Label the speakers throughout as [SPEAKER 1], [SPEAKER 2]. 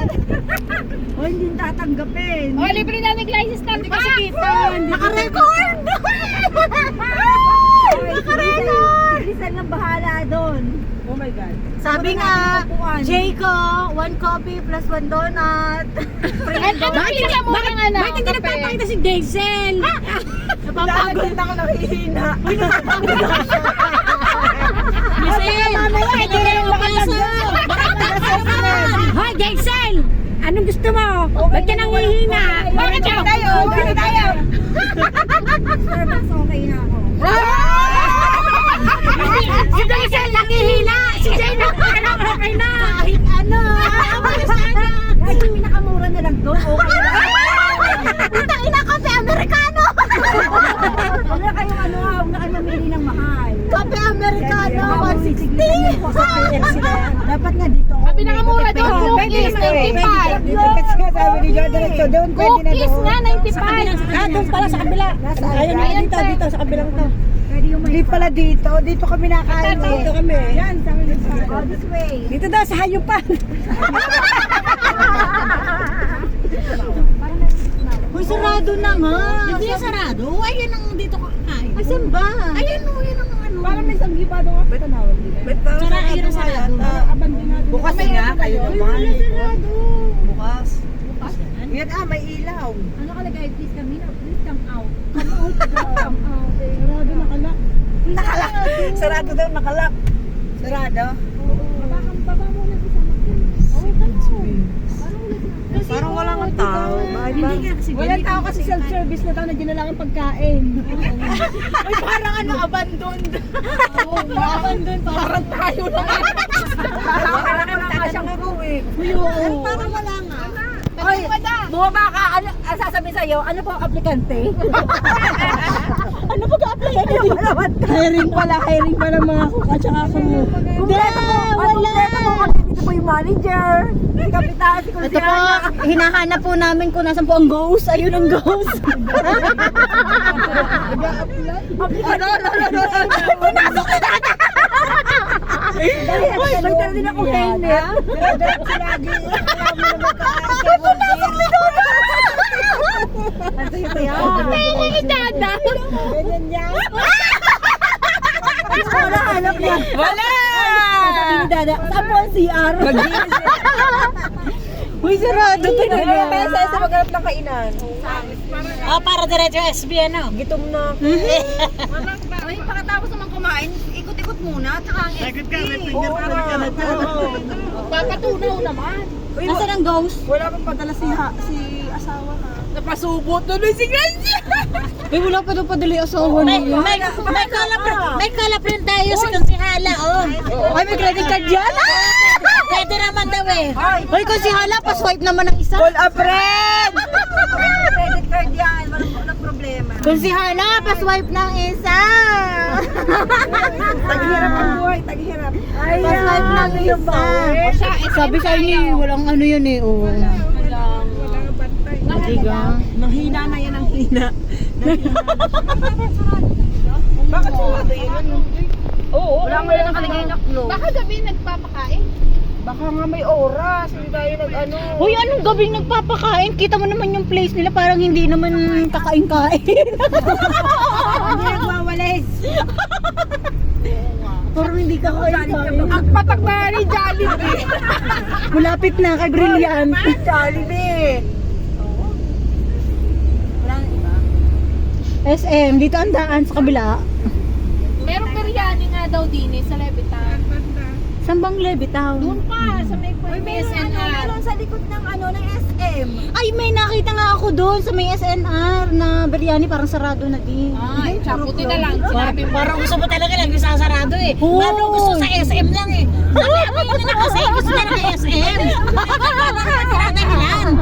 [SPEAKER 1] O, hindi tatanggapin.
[SPEAKER 2] O, libre namin license card, di ba?
[SPEAKER 1] Naka-record! Naka-record! Bilisan lang bahala doon.
[SPEAKER 3] Oh my God.
[SPEAKER 1] Sabi nga, Jayco, 1 coffee plus 1 donut.
[SPEAKER 2] Bakit hindi
[SPEAKER 1] nagpapakita si Daisel?
[SPEAKER 3] Napapagod na ako nakihina.
[SPEAKER 1] Daisel! Mamaya, ito na yung makasal! Hoy, Daisel! Anong gusto mo? Ba't ka nangihina?
[SPEAKER 2] Bakit
[SPEAKER 3] Bakit tayo? Bakit tayo?
[SPEAKER 1] Sir, mas okay na ako.
[SPEAKER 2] Si Daisel nakihina! Si Jay okay na!
[SPEAKER 1] Kahit ano! Kahit yung pinakamura na lang doon, okay na. Putang ina, kape Amerikano! Huwag na kayong ano, huwag na kayo mamili ng mahal. Kape Amerikano, 160! Dapat nga dito.
[SPEAKER 2] Ang pinakamura doon, cookies, 95.
[SPEAKER 3] Kasi nga sabi ni Joe, diretso doon. Pwede na
[SPEAKER 2] Cookies
[SPEAKER 3] doon.
[SPEAKER 2] nga, 95.
[SPEAKER 3] Doon pala sa kabila. Ayun na dito sa kabilang to.
[SPEAKER 1] Pwede yung may...
[SPEAKER 3] Hindi pala dito. Dito kami nakain. Dito kami. Yan, sabi ni
[SPEAKER 1] Oh, this way.
[SPEAKER 3] Dito daw sa hayupan.
[SPEAKER 1] Uy, sarado na nga.
[SPEAKER 3] Hindi sarado. Ayun ang dito kakain.
[SPEAKER 1] Ay, saan ba?
[SPEAKER 3] Ayun o, yun ang ano. Parang may sanggipado nga. Ba't tanawag nila? Ba't parang sarado na? Bukas nga kayo naman. Bukas. Yan may ilaw.
[SPEAKER 1] Ano kalagay? Please come in or please come out? Come out. Come out.
[SPEAKER 3] Sarado nakalak. Nakalak. Sarado daw nakalak. Sarado?
[SPEAKER 1] Baba muna sa makin.
[SPEAKER 3] Parang wala nga tao.
[SPEAKER 1] Hindi nga kasi
[SPEAKER 3] Walang tao kasi self-service na tao na dinala ang pagkain. Ay, parang ano, abandoned. Abandoned. Parang tayo na. Parang nakasang ako eh.
[SPEAKER 1] Parang wala nga. Oy, bumaba ka, ano, sasabihin sa'yo, ano po ang aplikante? Ano po ka-aplikante?
[SPEAKER 3] Hiring pala mga kuka tsaka kamo.
[SPEAKER 1] Kumpleto mo, kumpleto mo, dito po yung manager, si kapitan, si
[SPEAKER 4] Ito po,
[SPEAKER 1] kunsihana.
[SPEAKER 4] hinahanap po namin kung nasan po ang ghost. Ayun ang ghost.
[SPEAKER 1] Pinasok na natin! Uy, magtala din ako helmet.
[SPEAKER 3] Diretso lagi. Pinasok ni Dodo!
[SPEAKER 1] Ano ito yan?
[SPEAKER 2] Dada.
[SPEAKER 3] Ganyan yan.
[SPEAKER 1] Wala, hanap niya.
[SPEAKER 3] Wala!
[SPEAKER 1] Sabi ni Dada, saan po ang CR?
[SPEAKER 4] Uy, sarado to na.
[SPEAKER 3] Kaya sa maghanap ng kainan.
[SPEAKER 4] Oh, para diretso SB, ano?
[SPEAKER 3] Gitom na.
[SPEAKER 1] Uy, pagkatapos naman kumain, ikot-ikot muna, tsaka ang SB.
[SPEAKER 2] Papatunaw naman.
[SPEAKER 4] Nasaan ang ghost?
[SPEAKER 3] Wala pang padala si asawa ha.
[SPEAKER 2] Napasubot na si Grace.
[SPEAKER 4] Uy, wala pa daw padali asawa niya. May kalap rin tayo sa konsihala, oh. Ay, may credit card yan? Pwede naman daw eh. Uy, konsihala, pa-swipe naman ng isa.
[SPEAKER 3] Call a friend!
[SPEAKER 1] Credit card yan, walang problema.
[SPEAKER 4] Konsihala, pa-swipe ng isa.
[SPEAKER 3] Taghirap ang buhay, taghirap.
[SPEAKER 4] Pa-swipe ng isa. Sabi sa inyo, walang ano yun eh, oh.
[SPEAKER 3] Walang bantay.
[SPEAKER 4] Diga.
[SPEAKER 3] Mahina na yan ang hina. Bakit sarado yun? Oo,
[SPEAKER 1] Wala mo lang nakalagay na close.
[SPEAKER 2] Baka gabi nagpapakain.
[SPEAKER 3] baka nga may oras. Hindi tayo nag-ano.
[SPEAKER 4] Uy, anong gabing nagpapakain? Kita mo naman yung place nila, parang hindi naman kakain-kain.
[SPEAKER 1] Hindi nagwawalis.
[SPEAKER 4] Parang hindi kakain-kain.
[SPEAKER 2] Ang patak na ni Jollibee.
[SPEAKER 4] Malapit na kay Brilliant.
[SPEAKER 3] Jollibee!
[SPEAKER 4] SM, dito ang daan sa kabila.
[SPEAKER 2] Merong biryani nga daw din sa Levitan.
[SPEAKER 4] Saan bang Levitown?
[SPEAKER 2] Doon pa, sa may SNR.
[SPEAKER 1] Meron sa likod ng ng SM.
[SPEAKER 4] Ay, may nakita nga ako doon sa may SNR na biryani, parang sarado na din.
[SPEAKER 2] Ay, buti na lang. Sinabi mo.
[SPEAKER 5] Parang gusto mo talaga lang yung sasarado eh.
[SPEAKER 4] Oo.
[SPEAKER 5] Paano gusto sa SM lang eh. Sabi mo na kasi gusto na ng SM. Tinatahilan.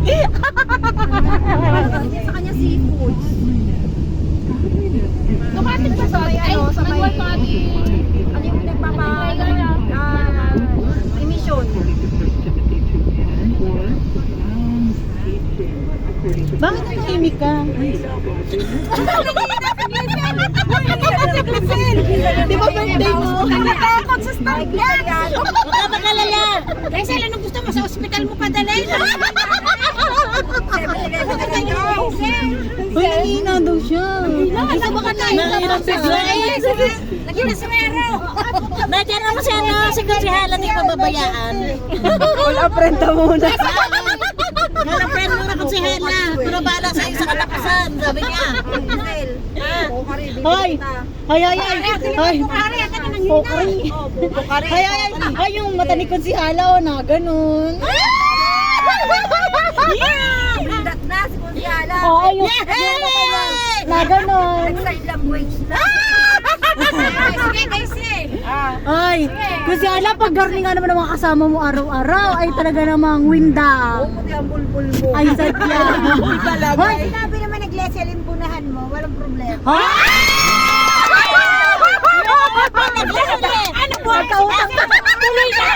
[SPEAKER 1] Sa kanya seafood.
[SPEAKER 2] Dumating ba sa ay,
[SPEAKER 1] sa may-
[SPEAKER 2] nag-work kami.
[SPEAKER 1] Ano yung emission?
[SPEAKER 4] Bakit nahimik ka?
[SPEAKER 3] Di ba birthday mo?
[SPEAKER 1] Natakot sa Starbucks.
[SPEAKER 5] Huwag ka mag-alala. Kasi anong gusto mo sa ospital mo padalhin?
[SPEAKER 4] Uy, nangihina daw siya.
[SPEAKER 5] Isa ba ka tayo? Lagi na swero. Nandiyan naman si ano, si Kusihala di pababayaan.
[SPEAKER 3] Wala prenta muna.
[SPEAKER 5] Wala friend mo na Kusihala. Pero bahala sa'yo sa kalapasan, sabi niya.
[SPEAKER 4] Hoy! Hoy, hoy, hoy! Hoy! Pokari! Hoy, hoy, hoy! Hoy, yung mata ni Konsihala, na ganun.
[SPEAKER 1] Pindat na si Kunyala.
[SPEAKER 4] Oo, yung na ganun.
[SPEAKER 1] Sign language na.
[SPEAKER 5] Sige, kasi.
[SPEAKER 4] Ay, Konsihala, pag garni nga naman ng mga kasama mo araw-araw, ay talaga namang winda.
[SPEAKER 1] Puti ang bulbul mo.
[SPEAKER 4] Ay, sadya. Hoy!
[SPEAKER 1] Sinabi naman nag-lesel yung punahan mo, walang problema.
[SPEAKER 5] Ano po? Tuloy na.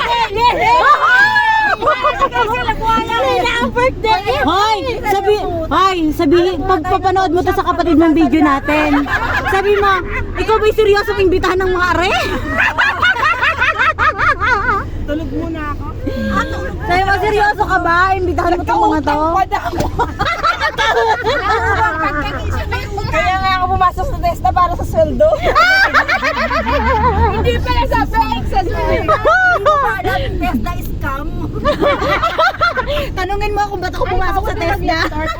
[SPEAKER 4] Tuloy na ang birthday! Hoy! Sabi, pagpapanood mo to sa kapatid mong video natin, sabi mo, ikaw ba'y seryoso imbitahan ng mga are?
[SPEAKER 3] Tulog muna ako.
[SPEAKER 4] Sabi mo, seryoso ka ba? Imbitahan mo itong mga to?
[SPEAKER 3] Kaya nga ako pumasok sa testa para sa sweldo.
[SPEAKER 2] Hindi pala sa fake, sa swing.
[SPEAKER 1] Tesla scam.
[SPEAKER 4] Tanungin mo kung ba't ako pumasok sa Tesla.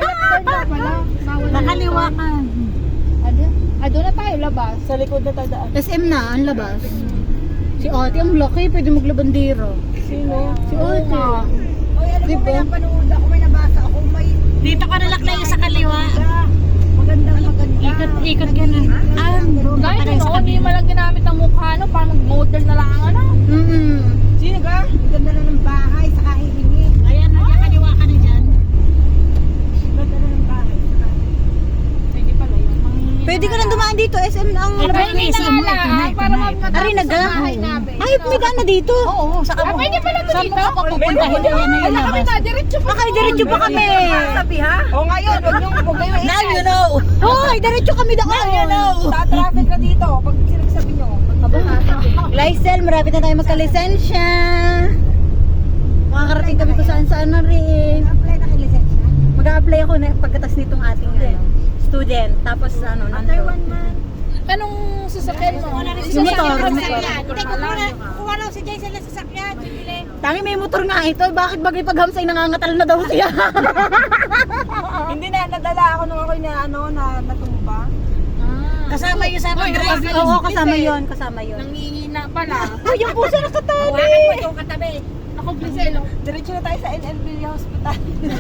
[SPEAKER 5] Nakaliwa ka.
[SPEAKER 2] Doon na tayo labas.
[SPEAKER 3] Sa likod na tadaan.
[SPEAKER 4] SM na, ang labas. Si Ate, ang laki, pwede maglabandero.
[SPEAKER 3] Sino?
[SPEAKER 4] Si Ate.
[SPEAKER 1] Oy, alam mo,
[SPEAKER 4] Diba?
[SPEAKER 1] may napanood ako, may nabasa ako, may
[SPEAKER 5] Dito ka nalaklayo sa kaliwa.
[SPEAKER 1] maganda.
[SPEAKER 5] Ikot ka na.
[SPEAKER 2] Kahit ano, hindi mo lang ginamit ang mukha, no? Parang mag-model na lang, ano?
[SPEAKER 3] Sino ka?
[SPEAKER 1] Maganda na ng bahay, saka hihingi.
[SPEAKER 5] Ayan, kaliwa ka na dyan.
[SPEAKER 1] Maganda na ng bahay, saka
[SPEAKER 2] Pwede pala yun.
[SPEAKER 4] Pwede ka nang dumaan dito, SM na ang
[SPEAKER 5] Ano ba
[SPEAKER 4] labas.
[SPEAKER 5] yung SM mo? Ito na, ito
[SPEAKER 2] Para
[SPEAKER 5] na.
[SPEAKER 2] matapos
[SPEAKER 4] Ari,
[SPEAKER 2] sa
[SPEAKER 4] naga.
[SPEAKER 2] bahay namin.
[SPEAKER 4] Ay, may gana dito.
[SPEAKER 5] Oo, saka mo.
[SPEAKER 2] Pwede pala ito
[SPEAKER 5] Saan
[SPEAKER 2] dito?
[SPEAKER 5] mo ka pupunta? Hindi yan na yung
[SPEAKER 2] Kami
[SPEAKER 5] labas.
[SPEAKER 2] na, diretso pa.
[SPEAKER 4] Akay, diretso pa kami.
[SPEAKER 1] sabi ha?
[SPEAKER 3] O ngayon, huwag kayo
[SPEAKER 5] Now you know.
[SPEAKER 4] Hoy, diretso kami doon.
[SPEAKER 3] Sa traffic na dito. Pag sinagsabi nyo.
[SPEAKER 4] Lysel, marapit na tayo magka-lisensya. Makakarating kami kung saan-saan na rin.
[SPEAKER 1] Apply na kay lisensya.
[SPEAKER 4] Mag-a-apply ako na pagkatas nitong ating student. Tapos
[SPEAKER 1] After
[SPEAKER 4] nandun.
[SPEAKER 1] 1 month.
[SPEAKER 2] Anong sasakyan mo?
[SPEAKER 4] Yung motor.
[SPEAKER 5] Hindi, kukuha lang si Jason na sasakyan.
[SPEAKER 4] Tangi may motor nga ito. Bakit bagay paghamsay nangangatal na daw siya?
[SPEAKER 3] Hindi na, nadala ako nung ako'y na, natumba.
[SPEAKER 5] Kasama yung sa pag-drive.
[SPEAKER 4] Oo, kasama yon, kasama yon.
[SPEAKER 2] Nangihina pala.
[SPEAKER 4] Uy, yung puso nakatabi.
[SPEAKER 5] Hawakan mo yung katabi.
[SPEAKER 2] Ako, Briselo.
[SPEAKER 3] Diretso na tayo sa NLB Hospital.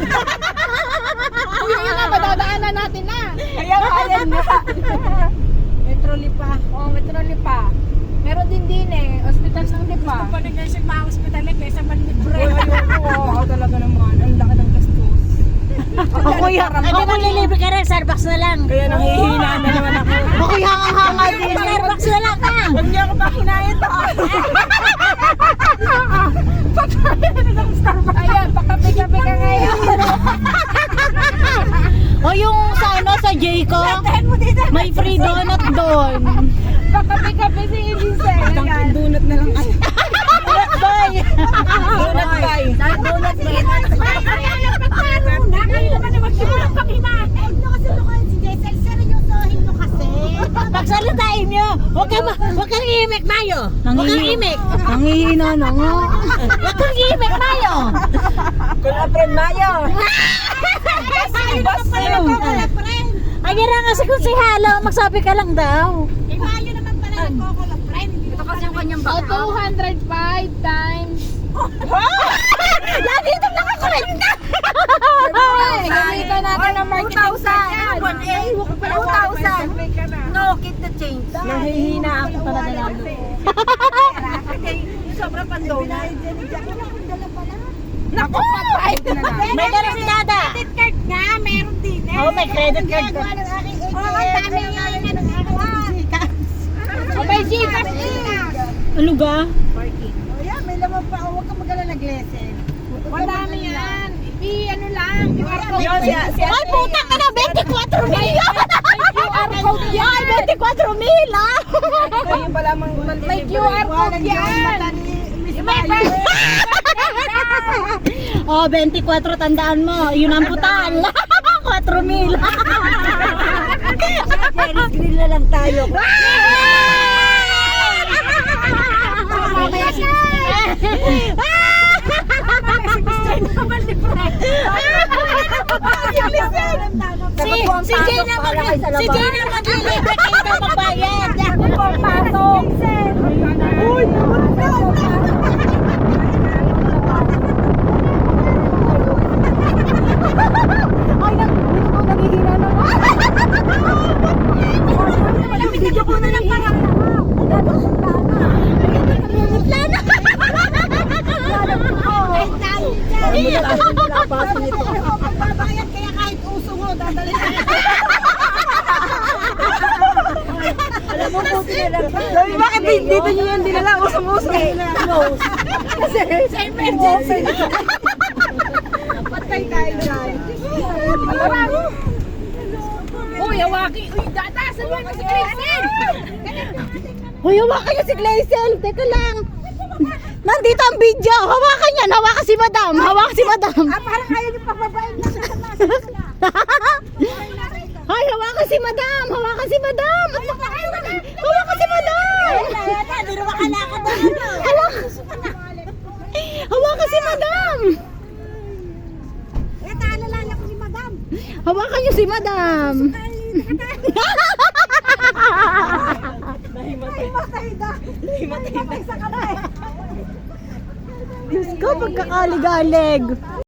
[SPEAKER 2] Uy, yun na, madadaanan natin na.
[SPEAKER 3] Kaya ayan nga.
[SPEAKER 1] Metrolipa.
[SPEAKER 2] Oo, Metrolipa. Meron din eh. Hospital ng Lipa.
[SPEAKER 5] Pag-nursing pa hospital eh, kaysa manlibre.
[SPEAKER 3] Ako talaga naman. Ang laki ng gastos.
[SPEAKER 4] Ako yan.
[SPEAKER 5] Hindi mo lilibre ka rin, Starbucks na lang.
[SPEAKER 3] Kaya nanghihina na naman ako.
[SPEAKER 4] Ako yung hanga din.
[SPEAKER 5] Starbucks na lang ka.
[SPEAKER 3] Huwag niyo ako pakinayat to.
[SPEAKER 2] Ayan, pakapi-kapi ka ngayon.
[SPEAKER 4] O yung sa ano, sa Jayco, may free donut doon.
[SPEAKER 2] Pakapi-kapi si Elisel.
[SPEAKER 3] Donut na lang kayo. Donut bay. Donut bay.
[SPEAKER 1] Donut na yun.
[SPEAKER 5] Pagsalitain nyo, huwag kang imik, Mayo. Huwag kang imik.
[SPEAKER 4] Nangihina na nga.
[SPEAKER 5] Huwag kang imik, Mayo.
[SPEAKER 3] Kula friend Mayo.
[SPEAKER 5] Ayan na nga si Kunsihalo, magsabi ka lang daw.
[SPEAKER 1] Ito kasi yung kanyang
[SPEAKER 2] O,
[SPEAKER 1] baka.
[SPEAKER 2] 205 times.
[SPEAKER 4] Lagi itong nakakulenda.
[SPEAKER 2] Ay, gamitan natin ng marketing
[SPEAKER 1] 2,000. No, keep the change.
[SPEAKER 3] Nanghihina ako talaga lalo.
[SPEAKER 1] Sobrang pandonut.
[SPEAKER 3] Naku, pa-drive na lang.
[SPEAKER 5] May dala si Dada.
[SPEAKER 1] Card nga, meron din eh.
[SPEAKER 5] Oh, may credit card ka.
[SPEAKER 1] Oo, ang dami nga yung
[SPEAKER 2] O, may Gcash.
[SPEAKER 4] Ano ga?
[SPEAKER 1] Ayan, may laman pa. Huwag ka magala nag-lesson.
[SPEAKER 2] Madami yan. Ano lang, QR code.
[SPEAKER 3] Yun, si
[SPEAKER 4] Ay, putang ka na, 24 million!
[SPEAKER 2] May QR code
[SPEAKER 3] code yan.
[SPEAKER 4] Ay, 24,000 ah!
[SPEAKER 3] Kayo pa lamang
[SPEAKER 2] May QR code yan.
[SPEAKER 4] Oh, 24, tandaan mo. Yun ang putal. 4,000.
[SPEAKER 1] Jerry's Grill na lang tayo.
[SPEAKER 4] Si Jay naman maglilibre kayo daw magbayad.
[SPEAKER 1] Ay, dito ko nagihina na. Video ko na lang parang
[SPEAKER 3] Babayad kaya kahit uso mo, dadalhin.
[SPEAKER 1] alam mo po lang.
[SPEAKER 3] Sabi, bakit dito nyo yan dinala? Usong-usong nila.
[SPEAKER 1] Kasi sa emergency.
[SPEAKER 3] Patay tayo dyan.
[SPEAKER 2] Uy, hawaki. Uy, datasan mo na si Kristen.
[SPEAKER 4] Hoy, hawakan niyo si Glazel. Teka lang. Nandito ang video. Hawakan niya. Hawakan si Madam. Hawakan si Madam.
[SPEAKER 1] Parang ayaw niyo pababain na sa
[SPEAKER 4] Hoy, hawakan si Madam. Hawakan si Madam. Hawakan si Madam.
[SPEAKER 1] Hindi na makalakad na.
[SPEAKER 4] Hawakan si Madam.
[SPEAKER 1] Naalala ko si Madam.
[SPEAKER 4] Hawakan niyo si Madam. Diyos ko, pagkakaligalig.